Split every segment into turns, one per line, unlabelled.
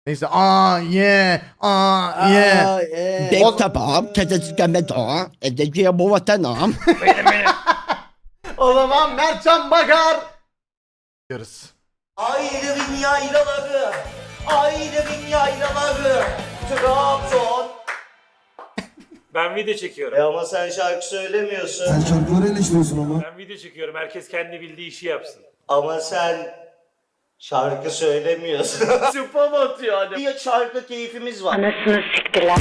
Neyse ye ye.
Dek tabağım, kedecikeme doğam, edeceğim bu vatanam.
O zaman Mertcan Bakar diyoruz.
Ayrılın yaylaları, ayrılın yaylaları, Trabzon.
Ben video çekiyorum.
Ama sen şarkı söylemiyorsun.
Sen şarkıları eleştiriyorsun ama.
Ben video çekiyorum. Herkes kendi bildiği işi yapsın.
Ama sen şarkı söylemiyorsun. Spam atıyor hani. Bir şarkı keyfimiz var.
Anasını siktiler.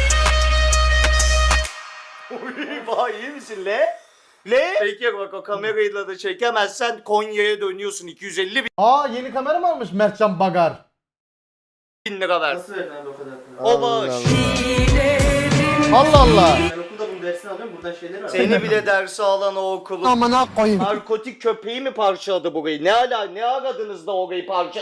Vay iyi misin le? Le? Peki bak o kamerayla da çekemezsen Konya'ya dönüyorsun 250
Yeni kamera mı almış Mertcan Bakar?
bin lira ver. Nasıl verdin abi o kadar? O bağış.
Allah Allah.
Ben okulda bunun dersini alıyorum buradan şeyleri var. Seni bile dersi alan o okulun.
Amına koyayım.
Narkotik köpeği mi parçaladı burayı? Ne aradınız da orayı parça...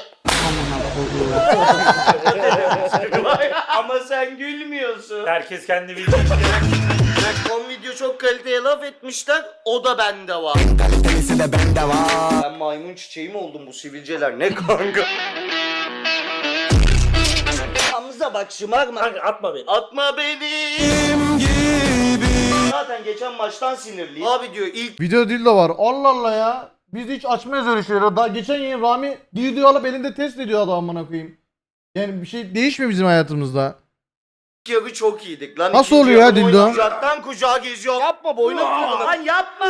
Ama sen gülmüyorsun.
Herkes kendi bildiği işi
Bak son video çok kaliteye laf etmişler. O da bende var.
Kalitesi de bende var.
Ben maymun çiçeği mi oldum bu sivilceler? Ne kanka? Hamza bak şımarma.
Kanka atma beni.
Atma beni. Zaten geçen maçtan sinirliyim. Abi diyor ilk
Video dildo var. Allah Allah ya. Biz hiç açmayız öyle şeyleri. Daha geçen yayın Rami dildoyu alıp elinde test ediyor adam amına koyayım. Yani bir şey değişmiyor bizim hayatımızda.
yarı çok iyiydik lan.
Nasıl
İkinci
oluyor ya
yarı
dildo?
boyuna Kucaktan kucağa geziyor. Yapma boynu kırılır. Lan yapma.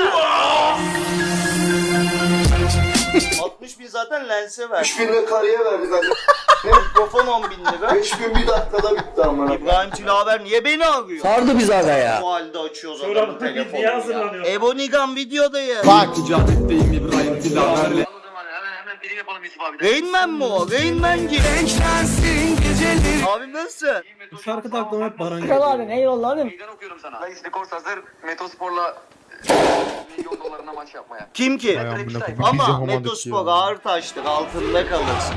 60 bin zaten lense ver.
3 bin lira karıya verdik hadi.
Mikrofon 10 bin lira.
5 bin bir dakikada bitti amına.
İbrahim Tilaver niye beni arıyor?
Sardı biz aga ya.
Bu halde açıyoruz
Sonra
adamın
bu
telefonunu
videoya
ya.
hazırlanıyor.
Ebonigan videodayım.
Bak.
Rain Man mi o? Rain Man gibi. Abi nasıl?
Bu şarkıda aklıma hep Baran
Kral abim eyvallah abim.
Meydan okuyorum sana. Dayı Skors hazır. Metospor'la milyon dolarına maç yapmaya.
Kim ki? Ama Metospor ağır taştır altında kalırsın.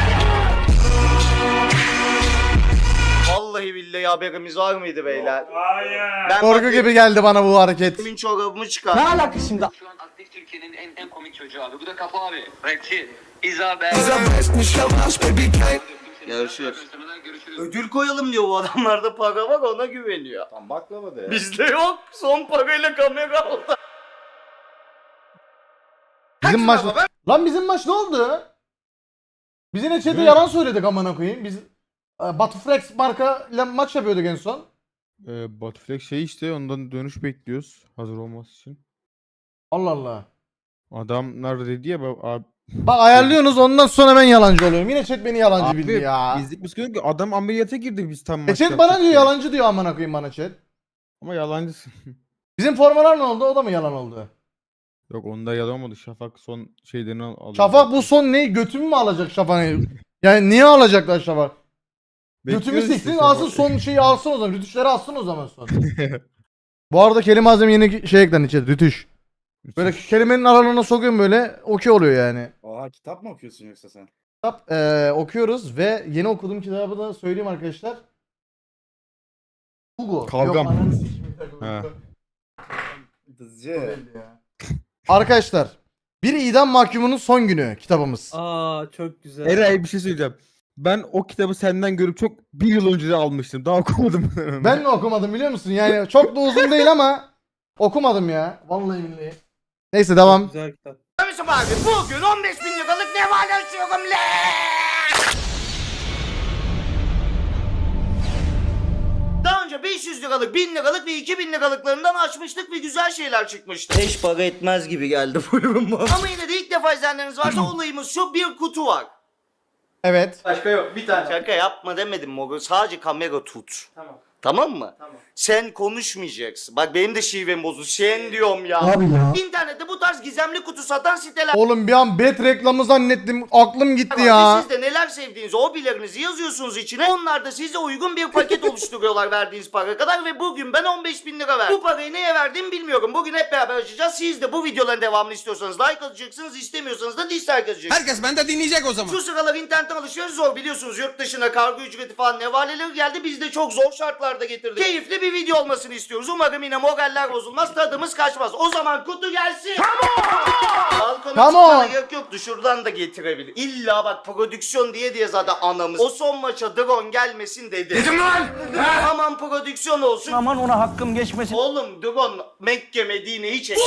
Vallahi billahi haberimiz var mıydı beyler?
Hayır.
Ben
Korku gibi geldi bana bu hareket.
Benim çorabımı çıkar.
Ne alaka şimdi?
Şu an aktif Türkiye'nin en komik çocuğu abi. Bu da Kafa abi. Rapçi. İzabel.
Görüşürüz. Ödül koyalım diyor bu adamlarda para var ona güveniyor.
Tam baklava de ya.
Bizde yok. Son parayla kamera aldı.
Bizim maç... Lan bizim maç ne oldu? Biz yine chat'te yalan söyledik amına koyayım. Biz Batuflex marka ile maç yapıyorduk en son.
Batuflex şey işte ondan dönüş bekliyoruz hazır olması için.
Allah Allah.
Adamlar dedi ya abi,
Bak ayarlıyorsunuz ondan sonra ben yalancı oluyorum. Yine chat beni yalancı bildi ya.
bizlik biz ki adam ameliyata girdi biz tam
Chat bana diyor yalancı diyor amına koyayım bana chat.
Ama yalancısın.
Bizim formalar ne oldu? O da mı yalan oldu?
Yok onda yalan olmadı. Şafak son şeylerini alıyor.
Şafak bu son ne? Götümü mü alacak Şafak'ı? Yani niye alacaklar Şafak? Götümü
Bekliyoruz
siksin
işte
alsın
Şafak.
son şeyi alsın o zaman. Rütüşleri alsın o zaman son. Bu arada kelime azim yeni şey eklendi chat. Rütüş. Böyle kelimenin aralarına sokuyorum böyle okey oluyor yani.
Oha kitap mı okuyorsun yoksa sen?
Kitap okuyoruz ve yeni okuduğum kitabı da söyleyeyim arkadaşlar. Hugo.
Kavgam.
Yok, ananı sikeyim.
He.
Dızcı.
Arkadaşlar bir idam mahkumunun son günü kitabımız.
Aa çok güzel.
Eray bir şey söyleyeceğim. Ben o kitabı senden görüp çok bir yıl önce de almıştım. Daha okumadım.
Ben de okumadım biliyor musun? Yani çok da uzun değil ama okumadım ya. Vallahi billahi. Neyse devam.
Güzel kitap.
Kardeşim abi bugün 15 bin liralık ne var açıyorum le. Daha önce 500 liralık, 1000 liralık ve 2000 liralıklarından açmıştık ve güzel şeyler çıkmıştı. Hiç para etmez gibi geldi bu ürün bana. Ama yine de ilk defa izleyenleriniz varsa olayımız şu bir kutu var.
Evet.
Başka yok bir tane. Şaka yapma demedim Mogo sadece kamera tut.
Tamam.
Tamam mı?
Tamam.
Sen konuşmayacaksın. Bak benim de şivem bozuldu. Sen diyorum ya.
Abi ya.
İnternette bu tarz gizemli kutu satan siteler
Oğlum bir an bet reklamı zannettim. Aklım gitti
var.
ya.
Ve siz de neler sevdiğinizi, hobilerinizi yazıyorsunuz içine. Onlar da size uygun bir paket oluşturuyorlar verdiğiniz para kadar. Ve bugün ben 15 bin lira verdim. Bu parayı neye verdiğimi bilmiyorum. Bugün hep beraber açacağız. Siz de bu videoların devamını istiyorsanız like atacaksınız. İstemiyorsanız da dislike atacaksınız.
Herkes bende dinleyecek o zaman.
Şu sıralar internetten alışveriş zor biliyorsunuz. Yurt dışına kargo ücreti falan nevaleleri geldi. Biz de çok zor şartlar videolarda getirdik. Keyifli bir video olmasını istiyoruz. Umarım yine moraller bozulmaz, tadımız kaçmaz. O zaman kutu gelsin. Balkona
Come
çıkmana
on.
gerek yoktu. Şuradan da getirebilir. İlla bak prodüksiyon diye zaten anamız. O son maça drone gelmesin dedi. Dedim lan. Aman prodüksiyon olsun.
Aman ona hakkım geçmesin.
Oğlum drone Mekke Medine'yi çek.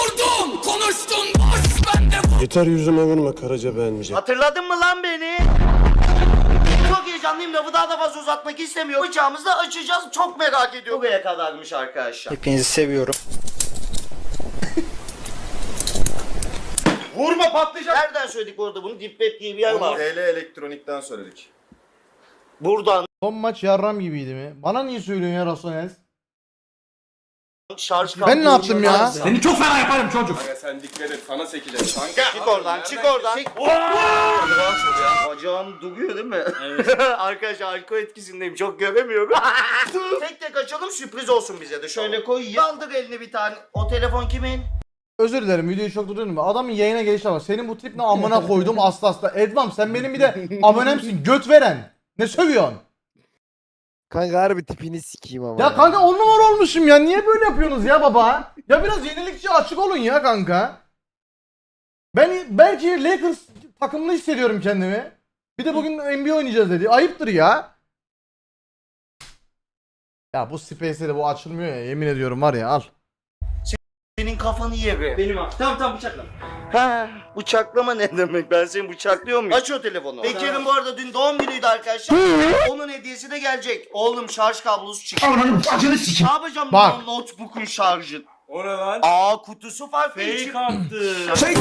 Yeter yüzüme vurma Karaca beğenmeyecek.
Hatırladın mı lan beni? Çok heyecanlıyım, lafı daha da fazla uzatmak istemiyorum. Bıçağımızı da açacağız, çok merak ediyorum. Buraya kadarmış arkadaşlar.
Hepinizi seviyorum.
Vurma patlayacak. Nereden söyledik bu arada bunu? Deep Web diye bir yer var.
TL Elektronik'ten söyledik.
Buradan
Son maç yarram gibiydi mi? Bana niye söylüyorsun ya Rasonel?
şarj
Ben ne yaptım ya?
Kanka sen dikkat et sana sekeceğiz kanka.
Çık oradan, çık oradan. Bacağım duruyor değil mi? Evet. Arkadaşlar alkol etkisindeyim, çok göremiyorum. Tek tek açalım, sürpriz olsun bize de. Şöyle koyayım. Kaldır elini bir tane. O telefon kimin?
Özür dilerim videoyu çok durduruyorum. Adamın yayına gelişi var. Senin bu trip ne amına koydum asla. Edvam sen benim bir de abonemsin göt veren. Ne sövüyorsun?
Kanka harbi tipini sikeyim ama.
Ya kanka 10 numara olmuşum ya. Niye böyle yapıyorsunuz ya baba? Ya biraz yenilikçi açık olun ya kanka. Ben belki Lakers takımlı hissediyorum kendimi. Bir de bugün NBA oynayacağız dedi. Ayıptır ya. Ya bu Space'de de bu açılmıyor ya. Yemin ediyorum var ya al.
Senin kafanı yeri.
Benim abi. Tamam bıçakla.
Ha, bıçaklama ne demek? Ben seni bıçaklıyor muyum? Aç o telefonu. Bekir'in bu arada dün doğum günüydü arkadaşlar. Onun hediyesi de gelecek. Oğlum şarj kablosu çıktı. Ne yapacağım
Bak.
bu notebook'un şarjı?
O ne lan?
Aa kutusu farklı.
Fake attı.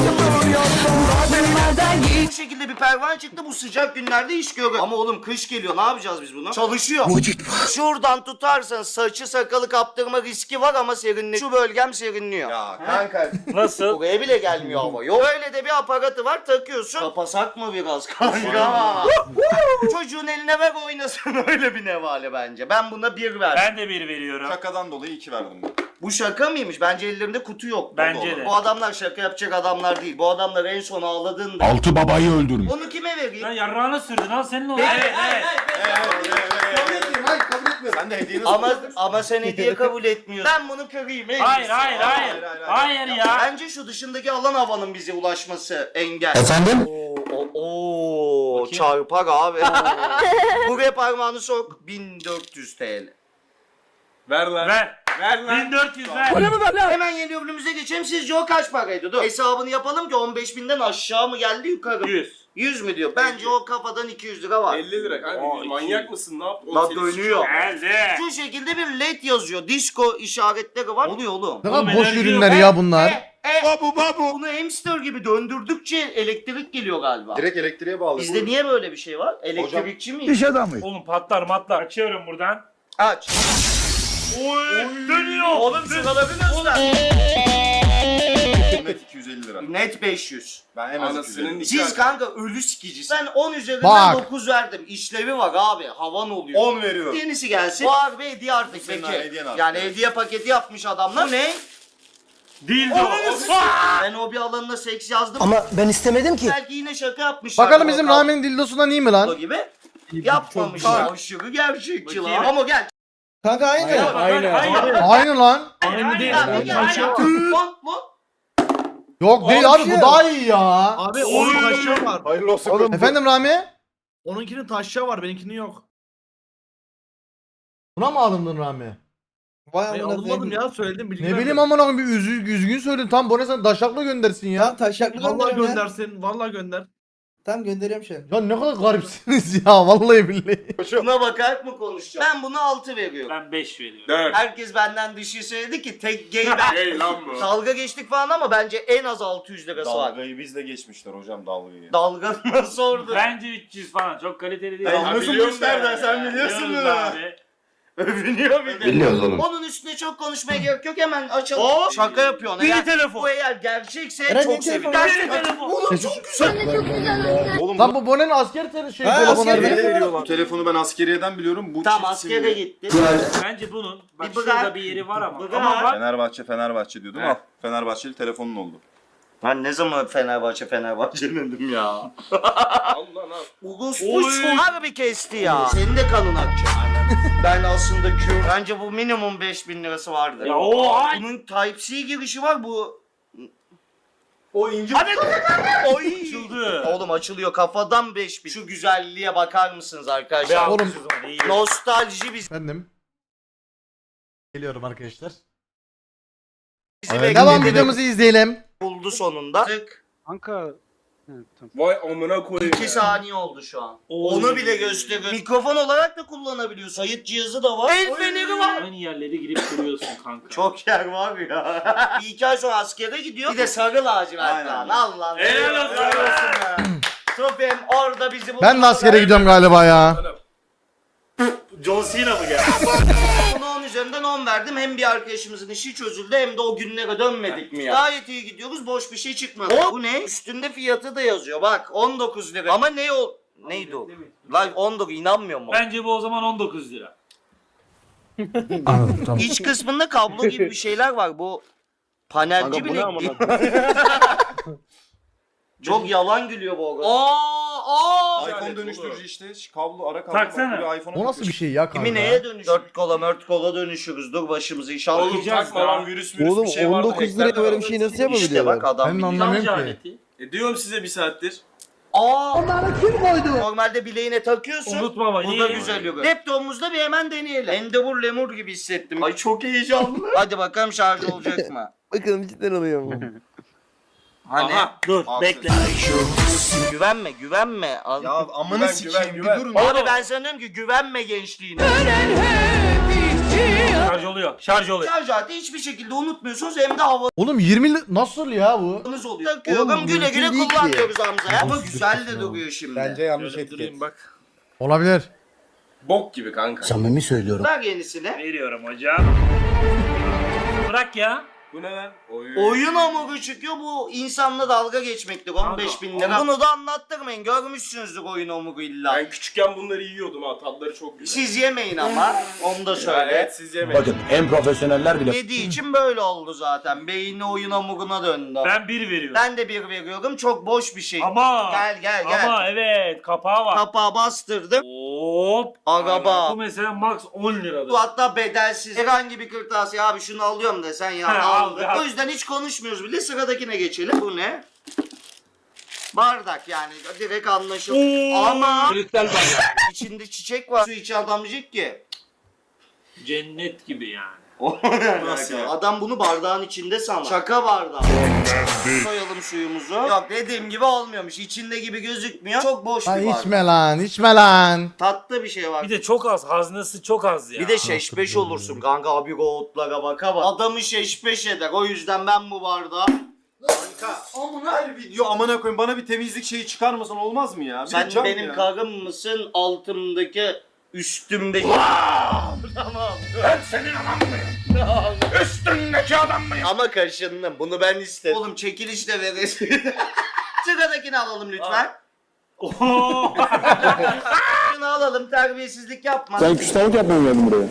Bu şekilde bir pervane çıktı, bu sıcak günlerde iş görür. Ama oğlum kış geliyor, ne yapacağız biz bunu? Çalışıyor. Şuradan tutarsan saçı sakalı kaptırma riski var ama serinliyor. Şu bölgem serinliyor.
Ya kanka.
Nasıl?
Buraya bile gelmiyor hava. Yok öyle de bir aparatı var, takıyorsun. Kapasak mı biraz kanka? Çocuğun eline ver oynasın, öyle bir nevale bence. Ben buna 1 verdim.
Ben de bir veriyorum.
Şakadan dolayı 2 verdim ben.
Bu şaka mıymış? Bence ellerinde kutu yok.
Bence de.
Bu adamlar şaka yapacak adamlar değil. Bu adamlar en son ağladığında.
Altı babayı öldürün.
Onu kime vereyim?
Lan yarrağına sürdün al senin olsun.
Peki.
Evet.
Sen de hediyeni
Ama sen hediye kabul etmiyorsun. Ben bunu kırayım. en
Hayır
iyisi.
hayır ya.
Bence şu dışındaki alan havanın bize ulaşması engel.
Efendim?
Oo, çarpar abi. Buraya parmağını sok. 1400 TL.
Ver lan.
Ver.
Ver lan.
1400 ver.
Hemen yeni ürünümüze geçelim. Sizce o kaç paraydı? Dur. Hesabını yapalım ki 15.000'den aşağı mı geldi yukarı mı?
100.
100 mü diyor? Bence o kafadan 200 lira var.
50 lira kanka.
Aa,
Manyak mısın? Ne yaptın?
Lan dönüyor.
Geldi.
Şu şekilde bir led yazıyor. Disco işaretleri var. Oluyor oğlum.
Ne kadar
Oğlum,
boş
enerji
ürünler
yok,
ya bunlar.
Babu. Bunu hamster gibi döndürdükçe elektrik geliyor galiba.
Direkt elektriğe bağlı.
Bizde niye böyle bir şey var? Elektrikçi miyiz?
İş adamı.
Oğlum patlar matlar. Açıyorum buradan.
Aç.
Oy dönüyor.
Oğlum sıraları göster.
Net 250 lira.
Net 500.
Ben en az 250.
Siz kanka ölü sikicisi. Ben 10 üzerinden
Bak.
9 verdim. İşlevi var abi. Havan oluyor.
10 veriyorum.
Yenisi gelsin. Bu harbi hediye artık
Senin
peki.
hediyen artık.
Yani hediye paketi yapmış adamlar. Bu ne?
Dildo.
Ben o bir alanına seks yazdım.
Ama ben istemedim ki.
Belki yine şaka yapmışlar.
Bakalım bizim Rami'nin dildosundan iyi mi lan?
gibi. Yapmamışlar. Aşırı gerçekçi lan.
Bakayım.
Ama gel.
Kanka aynı.
Aynen.
Aynı lan.
Aynı değil.
Lan.
Yok değil abi bu daha iyi ya.
Abi onun taşya var.
Hayırlı olsun.
Efendim Rami?
Onunkinin taşya var, benimkinin yok.
Buna mı alındın Rami?
Vay
Ben almadım ya, söyledim bilgi
Ne
vermedim.
bileyim amına koyayım bir üzgün söyledin. Tam bu ne sen daşakla göndersin ya.
taşaklı
Vallahi göndersin, vallahi gönder.
Tamam gönderiyorum şey.
Ya ne kadar garipsiniz ya vallahi billahi.
Buna bakarak mı konuşacağım? Ben buna 6 veriyorum.
Ben 5 veriyorum.
4.
Herkes benden dışı söyledi ki tek gay ben.
Hey lan bu.
Dalga geçtik falan ama bence en az 600 lirası var.
Dalgayı bizle geçmişler hocam dalgayı.
Dalga nasıl orada?
Bence 300 falan. Çok kaliteli değil.
Ben
Abi,
nasıl
biliyorum
bu işlerden,
ben
sen
ya.
biliyorsun
Biliyoruz
bunu.
abi.
Övünüyor bir de.
Biliyoruz oğlum.
Onun üstüne çok konuşmaya gerek yok, hemen açalım. Şaka yapıyorsun.
Biri telefon.
Bu eğer gerçekse
Eren,
çok
bir telefon.
sevinirim.
Biri telefon.
Oğlum çok güzel.
Oğlum
Lan bu Bone'nin asker şey
Ha,
telefonu
asker
harbi.
telefonu.
bu telefonu ben askeriyeden biliyorum. Bu
Tamam
çift
askere
simli.
gitti.
Bence bunun. Bak
Bir bırak.
şurada bir yeri var ama.
Bırak.
Ama bak.
Fenerbahçe diyordum.
Evet.
Al. Fenerbahçeli telefonun oldu.
Ben ne zaman Fenerbahçe dedim ya.
Al lan al.
Orospu harbi kesti ya. Senin de kanın akacak. Ben aslında bence bu minimum 5000 lirası vardır.
Ya o ay.
Bunun Type-C girişi var bu.
O ince.
Hadi. Oy.
Açıldı.
Oğlum açılıyor kafadan 5000. Şu güzelliğe bakar mısınız arkadaşlar?
Oğlum.
Nostalji bizi
Efendim. Geliyorum arkadaşlar.
bekledi
Devam
ve
videomuzu izleyelim.
buldu sonunda. Tık.
Kanka.
Vay amına koyayım
2
ya.
saniye oldu şu an.
Oy.
Onu bile gösteriyor. Mikrofon olarak da kullanabiliyorsun. Kayıt cihazı da var. El feneri var.
Aynı yerlere girip duruyorsun kanka.
Çok yer var ya. Bir 2 ay sonra askere gidiyor. Bir de sarı lacivert lan. Allah.
Helal olsun.
be. Tufem orada bizi buldu.
Ben de askere gidiyorum galiba ya.
John Cena mı geldi?
Buna 10 üzerinden 10 verdim. Hem bir arkadaşımızın işi çözüldü hem de o günlere dönmedik mi ya? Gayet iyi gidiyoruz. Boş bir şey çıkmadı. Bu ne? Üstünde fiyatı da yazıyor. Bak 19 lira. Ama ne o? Neydi o? Lan 19 inanmıyor mu?
Bence bu o zaman 19 lira.
Anladım tamam.
İç kısmında kablo gibi bir şeyler var. Bu panelci bile değil. Çok yalan gülüyor bu arada.
iPhone dönüştürücü işte. Kablo ara kablo.
Taksana.
Bak, iPhone'a
O nasıl bir şey ya
Kimi
kanka?
neye dönüş? 4 kola mört kola dönüşürüz. Dur başımızı inşallah.
Oğlum takma lan virüs
Oğlum
bir şey var.
19 liraya böyle bir şey nasıl
İşte
yapabiliyorlar?
bak adam
Ben
biliyor.
anlamıyorum
Şarj
ki.
aleti.
Diyorum size bir saattir.
Onları kim koydu? Normalde bileğine takıyorsun.
Unutma ama
Bu da
iyi.
güzel yok. Laptopumuzda bir hemen deneyelim. Endeavor lemur gibi hissettim. Ay çok heyecanlı. Hadi bakalım şarj olacak mı?
Bakalım cidden oluyor mu?
Hani?
Aha.
Dur
Al
bekle.
Güvenme. Al.
Ya amına sikeyim bir durun.
Abi ben sana diyorum ki güvenme gençliğine.
Şarj oluyor. Şarj oluyor.
Şarj aleti hiçbir şekilde unutmuyorsunuz hem de havanız
Oğlum 20 nasıl ya bu?
oluyor. Takıyorum
Oğlum,
güle güle
mümkün değil ki.
kullanıyoruz Hamza ya. Ama güzel de duruyor şimdi.
yanlış
Şöyle durayım bak.
Olabilir.
Bok gibi kanka.
Samimi söylüyorum.
Ver yenisini.
Veriyorum hocam. Bırak ya.
Bu ne lan?
Oyun hamuru çıkıyor bu insanla dalga geçmektir 15 bin lira. Bunu da anlattırmayın görmüşsünüzdür oyun hamuru illa.
Ben küçükken bunları yiyordum ha. Tadları çok güzel.
Siz yemeyin ama onu da
Ya
söyle.
evet siz yemeyin.
Bakın en profesyoneller bile
Yediği için böyle oldu zaten. Beyni oyun hamuruna döndü.
Ben 1 veriyorum.
Ben de bir veriyorum. Çok boş bir şey.
Ama.
Gel.
Ama evet kapağı var.
Kapağı bastırdım.
Hop.
Araba.
Bu mesela max 10 liradır.
Bu hatta bedelsiz. Herhangi bir kırtasiye abi şunu alıyorum desen ya
He,
aldık.
al.
O yüzden hiç konuşmuyoruz bile sıradakine geçelim. Bu ne? Bardak yani direkt anlaşılır. Ama içinde çiçek var. Su içi adamcık ki.
Cennet gibi yani.
Nasıl ya? Adam bunu bardağın içinde sanır. Şaka bardağı. Koyalım suyumuzu. Yok dediğim gibi olmuyormuş. İçinde gibi gözükmüyor. Çok boş bir
Ay
bardak.
içme lan.
Tatlı bir şey var.
Bir de çok az. Haznesi çok az ya.
Bir de şeşbeş olursun kanka abi goğutlara baka bak. Adamı şeşbeş eder. O yüzden ben bu bardağı... Kanka.
Her video amına koyayım bana bir temizlik şeyi çıkarmasan olmaz mı ya? Bir
Sen
cam
benim
ya.
karım mısın? Altımdaki üstümdeki... Tamam.
Ben senin adam mıyım? Üstündeki adam mıyım?
Ama kaşındım. Bunu ben istedim. Oğlum çekiliş de veresin. Sıradakini alalım lütfen.
Oo.
Şunu alalım terbiyesizlik yapma.
Sen küstahlık yapmaya geldin buraya.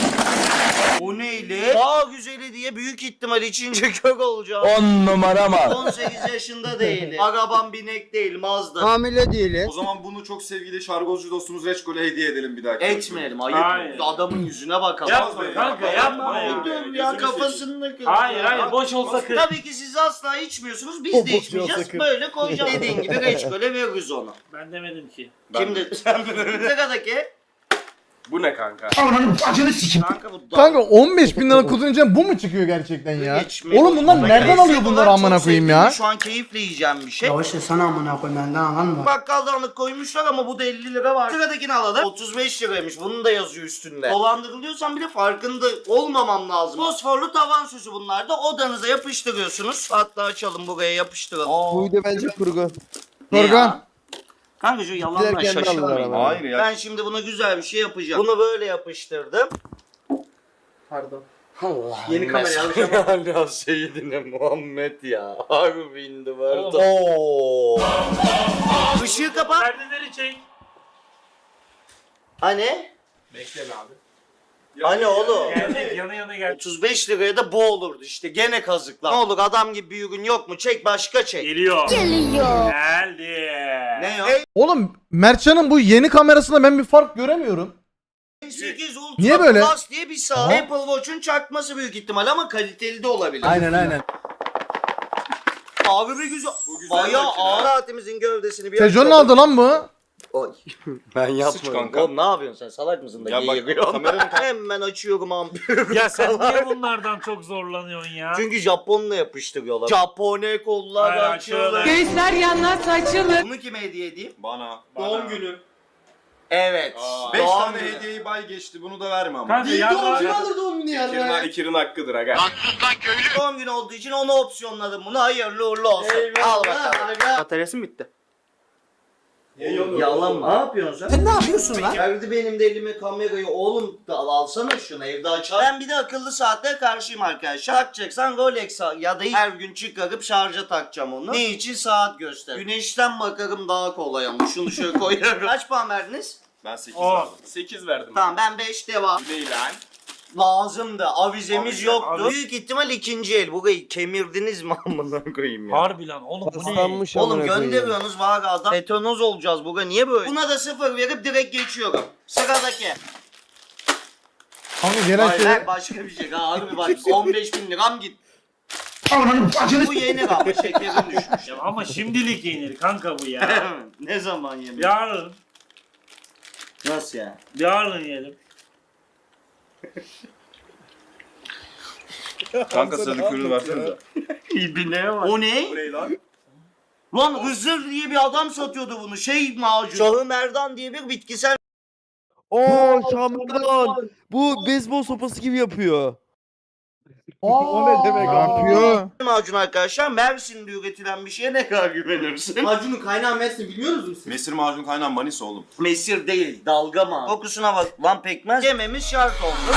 O neyle? Daha güzeli diye büyük ihtimal içince kök olacağım.
10 numara mı?
18 yaşında değil. Arabam binek değil Mazda.
Hamile değilim.
O zaman bunu çok sevgili şargozcu dostumuz Reçkol'e hediye edelim bir dahaki.
Etmeyelim ayıp.
Hayır.
Adamın yüzüne bakalım.
Yapma kanka yapma ya.
Dur ya kafasını kır.
Hayır boş olsa kır.
Tabii ki siz asla içmiyorsunuz. Biz de içmeyeceğiz. Böyle koyacağız. Dediğin gibi reçkole veririz onu.
Ben demedim ki.
Kim dedi? Sen sıradaki.
Bu ne kanka?
Kanka bu
Kanka 15 bin lira kudurunca bu mu çıkıyor gerçekten ya?
Geçmek
Oğlum bunlar
zorunda.
nereden
Lezzet
alıyor bunları
olarak
amına
çok
koyayım
sevdiğim,
ya?
Şu an keyifle yiyeceğim bir şey.
Ya işte sana amına koyayım benden anladın
Bakkaldanlık koymuşlar ama bu da 50 lira var. Sıradakini alalım. 35 liraymış. Bunun da yazıyor üstünde. Dolandırılıyorsan bile farkında olmamam lazım. Fosforlu tavan süsü bunlar da odanıza yapıştırıyorsunuz. Hatta açalım buraya yapıştıralım.
Bu video bence kurgu.
Ne
Kurgu.
ya? Kanka şu yalanla
Giderken de aldılar
şaşırmayın.
ama.
Hayır ya.
Ben şimdi buna güzel bir şey yapacağım. Bunu böyle yapıştırdım.
Pardon.
Allah.
Yeni kamera alacağım.
Hala Seyyidine Muhammed ya. Harbi indi
Oğlum.
Oo. Işığı kapat.
Perdeleri çek.
Hani?
Bekle be abi.
Hani oğlum?
Geldik yana yana gel.
35 liraya da bu olurdu işte. Gene kazıklar. Ne olur adam gibi bir ürün yok mu? Çek başka çek.
Geliyor. Geldi.
Ne ya?
Oğlum Mertcan'ın bu yeni kamerasında ben bir fark göremiyorum.
8 Ultra
Niye böyle?
Plus diye bir saat.
Aha.
Apple Watch'un çakması büyük ihtimal ama kaliteli de olabilir.
aynen.
Abi bir güzel.
Bu güzel
Bayağı
makine.
ağır saatimizin gövdesini bir
Tejo'nun
açalım.
aldı lan bu.
Oy. Ben yapmadım.
kanka.
Oğlum ne yapıyorsun sen? Salak mısın da
Ya bak,
geğiriyorsun?
kameranın-
Hemen açıyorum ampulü.
Ya sen niye bunlardan çok zorlanıyorsun ya?
Çünkü Japonla yapıştırıyorlar. Japone kollar
Hayır,
açılır.
açılır.
Göğüsler yanlar açılır.
Bunu kime hediye edeyim?
Bana.
Doğum günü. Evet.
5
Doğum
tane
günü.
hediyeyi bay geçti. Bunu da verme ama.
Kanka ya
alır doğum günü
İkirin hakkıdır aga.
Doğum günü olduğu için onu opsiyonladım bunu. Hayırlı uğurlu olsun. Al bakalım.
Bataryası mı bitti?
Yalan mı? Ne yapıyorsun sen? Ne yapıyorsun lan? Verdi benim de elime kamerayı. Oğlum da alsana şunu evde açar. Ben bir de akıllı saatlere karşıyım arkadaşlar. Takacaksan Rolex ya da her gün çıkarıp şarja takacağım onu. Ne için? Saat göster. Güneşten bakarım daha kolay ama. Şunu şöyle koyarım. Kaç puan verdiniz?
Ben 8
On.
verdim. 8 verdim.
Tamam ben 5 devam.
Bu değil lan.
Lazımdı. Avizemiz
Avize,
yoktu.
avize.
Büyük ihtimal ikinci el. Burayı kemirdiniz mi amına koyayım ya?
Harbi lan oğlum bu ne?
Paslanmış
Oğlum
amına koyayım.
gönderiyorsunuz var adam. Tetanoz olacağız bugün. Niye böyle? Buna da 0 verip direkt geçiyorum. Sıradaki.
Kanka gelen
Hayır
şey.
lan, başka bir şey. Ha, harbi bak 15 bin liram git. Bu yeni ama şekerim düşmüş.
Ya ama şimdilik yenir kanka bu ya.
Ne zaman yemek?
Yarın.
Nasıl ya?
Yarın yiyelim.
Kanka sadükürünü versene.
İbine var. O ne?
Bu ne lan?
Lan Hızır diye bir adam satıyordu bunu. Şey macun. Şahı Merdan diye bir bitkisel
Oo Şam'dan. Bu beyzbol sopası gibi yapıyor.
O ne demek
Ne yapıyor?
macun arkadaşlar. Mersin'de üretilen bir şeye ne kadar güvenirsin?
Macunun kaynağı Mersin biliyoruz mu siz?
Mesir macun kaynağı Manisa oğlum.
Mesir değil, dalga mı? Kokusuna bak. Lan pekmez yememiz şart oldu.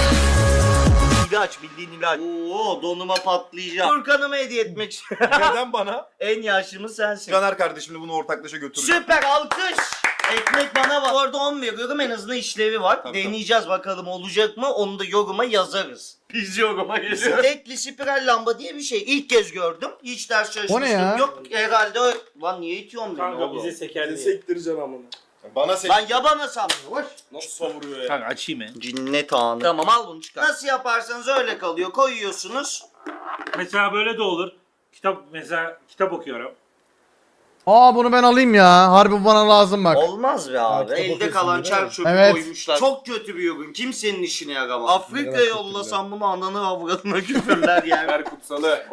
İlaç, bildiğin ilaç. Oo, donuma patlayacağım. Furkan'ıma hediye etmek istiyorum.
Neden bana?
En yaşlımız sensin.
Caner kardeşimle bunu ortaklaşa götürürüm.
Süper, alkış. Ekmek bana var. Bu arada 10 veriyorum, en azından işlevi var.
Tabii,
Deneyeceğiz bakalım olacak mı? Onu da yoruma yazarız. Biz yoruma geliyoruz. Tekli spiral lamba diye bir şey. İlk kez gördüm. Hiç ders çalışmıştım.
O ne ya?
Yok herhalde o... Lan niye itiyorsun beni
Kanka
oğlum?
bize seker diye.
sektireceğim amına. Bana sek...
Lan yabana sal.
Nasıl savuruyor ya?
Kanka açayım mı?
Cinnet anı. Tamam al bunu çıkar. Nasıl yaparsanız öyle kalıyor. Koyuyorsunuz.
Mesela böyle de olur. Kitap okuyorum.
Aa bunu ben alayım ya. Harbi bu bana lazım bak.
Olmaz be abi.
kitap
Elde
okuyorsun
kalan
değil mi?
çer çöpü
Evet.
koymuşlar. Çok kötü bir ürün. Kimsenin işine yaramaz. Afrika'ya yollasam bunu ananı avradına küfürler yer.
Ver kutsalı.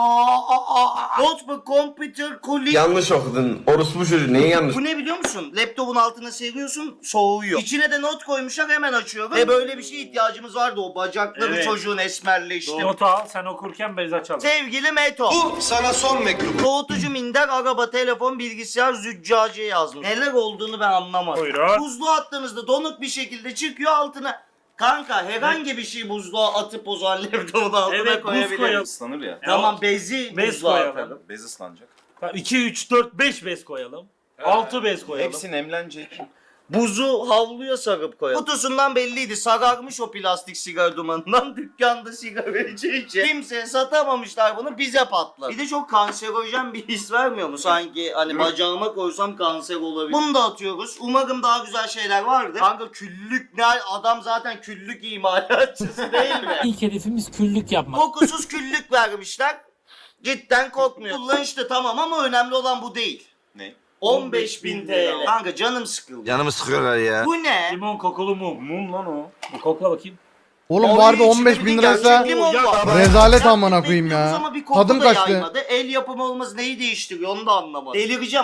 Notebook, computer, kulik.
Yanlış okudun. Orospu çocuğu neyi yanlış?
Bu ne biliyor musun? Laptopun altına seriyorsun, soğuyor. İçine de not koymuşlar, hemen açıyorum. Ve böyle bir şeye ihtiyacımız vardı, o bacakları
Evet.
çocuğun esmerleşti.
Notu al sen okurken bez açalım.
Sevgili Meto. Bu sana son mektup. Soğutucu, minder, araba, telefon, bilgisayar, züccaciye yazmış. Neler olduğunu ben anlamadım.
Buyurun.
Buzluğa attığınızda donuk bir şekilde çıkıyor altına. Kanka herhangi bir şey buzluğa atıp o zaman laptopun altına
Evet, buz
koyabiliriz.
koyalım.
Islanır ya.
Tamam bezi
Bez
buzluğa
koyalım.
atalım.
Bez ıslanacak.
2, 3, 4, 5 bez koyalım. 6 bez koyalım.
Hepsi nemlenecek.
Buzu havluya sarıp koyalım. Kutusundan belliydi. Sararmış o plastik sigara dumanından. Dükkanda sigara içince. Kimseye satamamışlar bunu. Bize patladı. Bir de çok kanserojen bir his vermiyor mu? Sanki hani bacağıma koysam kanser olabilir. Bunu da atıyoruz. Umarım daha güzel şeyler vardır. Kanka küllük ne? Adam zaten küllük imalatçısı değil mi?
İlk hedefimiz küllük yapmak.
Kokusuz küllük vermişler. Cidden kokmuyor. Kullanışlı tamam ama önemli olan bu değil.
Ne?
15.000 TL. Kanka canım sıkıldı.
Canımı sıkıyorlar ya.
Bu ne?
Limon kokulu mum. Mum lan o. Bir kokla bakayım.
Oğlum
Oy,
bu harbi
içinde
15
bir
bin
de
liraysa
gerçek limon var.
rezalet
Sen
amına koyayım
bekliyoruz
ya.
ama bir koku
Tadım
da
kaçtı.
yaymadı. El yapımı olması neyi değiştiriyor onu da anlamadım. Delireceğim.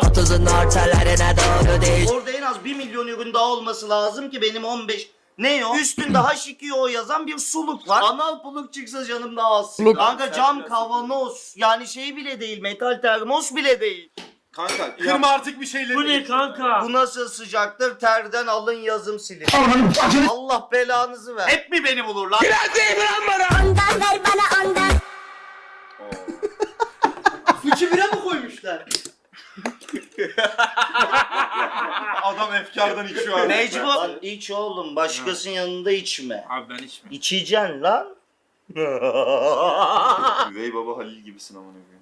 Orada en az 1 milyon ürün daha olması lazım ki benim 15... Ne o? Üstünde H2O yazan bir suluk var. Anal puluk çıksa canım daha az.
Suluk.
Kanka cam kavanoz. Yani şey bile değil. Metal termos bile değil.
Kanka kırma artık bir şeyleri.
Bu ne kanka?
Bu nasıl sıcaktır? Terden alın yazım silin. Allah belanızı ver. Hep mi beni bulur lan?
Fıçı bira mı koymuşlar?
Adam efkardan içiyor abi.
Mecbur. Lan iç oğlum, başkasının yanında içme.
Abi ben içmiyorum.
İçeceksin lan.
Üvey baba Halil gibisin amına koyayım.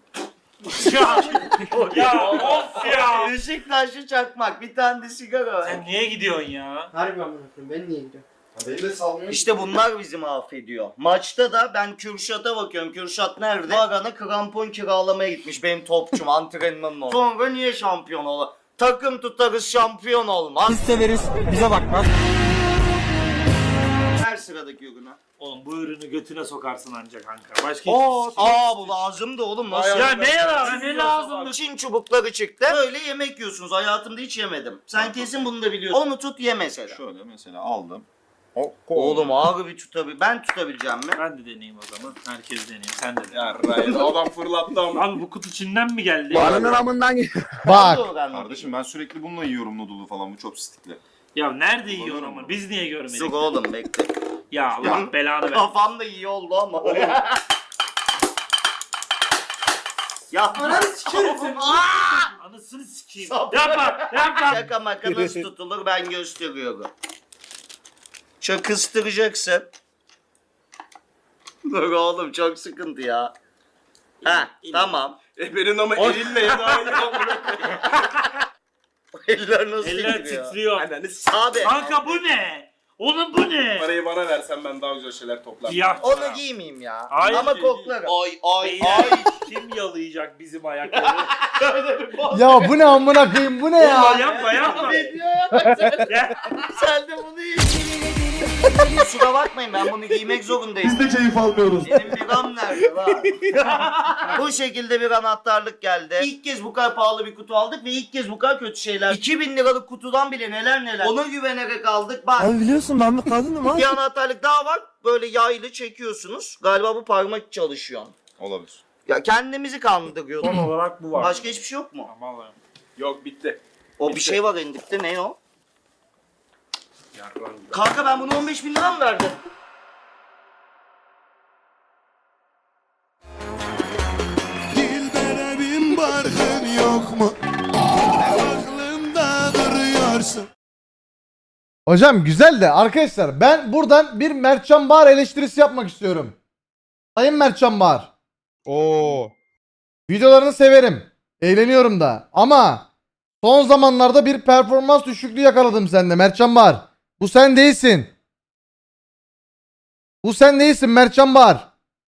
Ya of ya.
Beşiktaşlı çakmak, bir tane de sigara.
Sen niye gidiyorsun ya?
Harbi amına koyayım. Ben niye gidiyorum?
Beni de salmıyor.
İşte bunlar bizi mahvediyor. Maçta da ben Kürşat'a bakıyorum. Kürşat nerede? Bagana krampon kiralamaya gitmiş benim topçum antrenmanın oldu. Sonra niye şampiyon olur? Takım tutarız şampiyon olmaz.
Biz severiz. Bize bakmaz.
Her sıradaki ürüne.
Oğlum bu ürünü götüne sokarsın ancak kanka. Başka
Bu lazımdı oğlum. Nasıl?
Ya ne ya? Ne lazım?
Çin çubukları çıktı. Böyle yemek yiyorsunuz. Hayatımda hiç yemedim. Sen kesin bunu da biliyorsun. Onu tut ye mesela.
Şöyle mesela aldım.
Oğlum ağır bir tutabil. Ben tutabileceğim mi?
Ben de deneyeyim o zaman. Herkes deneyeyim. Sen de dene.
Ya Ryan adam fırlattı ama.
Abi bu kutu Çin'den mi geldi?
Ananın amından
Bak.
Doğru anladım.
Kardeşim ben sürekli bununla yiyorum noodle'u falan bu chopstick'le.
Ya nerede yiyor ama? Biz niye görmedik?
Dur oğlum bekle.
Ya Allah belanı ver.
Kafam da iyi oldu ama. Ya
Ananı sikerim seni.
Anasını sikeyim.
Sap-
Yapma.
şaka maka nasıl tutulur ben gösteriyorum. Çakıstıracaksın. Dur oğlum çok sıkıntı ya. Ha tamam.
Benim ama elinle ya daha iyi amına koyayım.
Eller nasıl
Eller
titriyor?
titriyor.
Ananı
Abi
Kanka bu ne? Oğlum bu ne?
Parayı bana versen ben daha güzel şeyler toplarım.
Siyah
onu
çorap.
giymeyeyim ya.
Hayır,
Ama
değil.
koklarım.
Beyler, kim yalayacak bizim ayakları?
Ya bu ne amına koyayım bu ne
Ya
ya?
yapma yapma.
Ne diyor ya bak sen?
Gel.
Sen de bunu Kusura bakmayın ben bunu giymek zorundayım.
Biz de keyif almıyoruz.
Benim biram nerede lan? Bu şekilde bir anahtarlık geldi. İlk kez bu kadar pahalı bir kutu aldık ve ilk kez bu kadar kötü şeyler. 2000 liralık kutudan bile neler neler. Ona güvenerek aldık. Bak
biliyorsun ben bir kadınım ha.
bir anahtarlık daha var. Böyle yaylı çekiyorsunuz. Galiba bu parmak çalışıyor.
Olabilir.
Ya kendimizi kandırıyorduk.
Son olarak bu var.
Başka hiçbir şey yok mu?
Aman Allah'ım.
Yok bitti.
O bir şey var endikte ne o?
Yarlan.
Kanka ben bunu 15 bin lira mı verdim?
Dilberemin barkın yok mu? Aklımda duruyorsun.
Hocam güzel de arkadaşlar ben buradan bir Mertcan Bahar eleştirisi yapmak istiyorum. Sayın Mertcan Bahar.
Oo.
Videolarını severim. Eğleniyorum da. Ama son zamanlarda bir performans düşüklüğü yakaladım sende Mertcan Bahar. Bu sen değilsin. Bu sen değilsin Mertcan Bahar.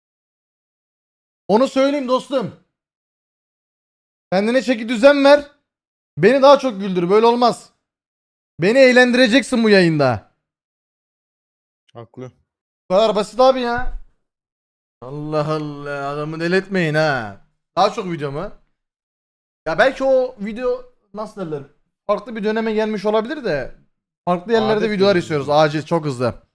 Onu söyleyeyim dostum. Kendine çeki düzen ver. Beni daha çok güldür. Böyle olmaz. Beni eğlendireceksin bu yayında.
Haklı.
Bu kadar basit abi ya. Allah Allah adamı deletmeyin ha. Daha çok video mu? Ya belki o video nasıl derler? Farklı bir döneme gelmiş olabilir de farklı yerlerde
Adet
videolar
yani.
istiyoruz acil çok hızlı.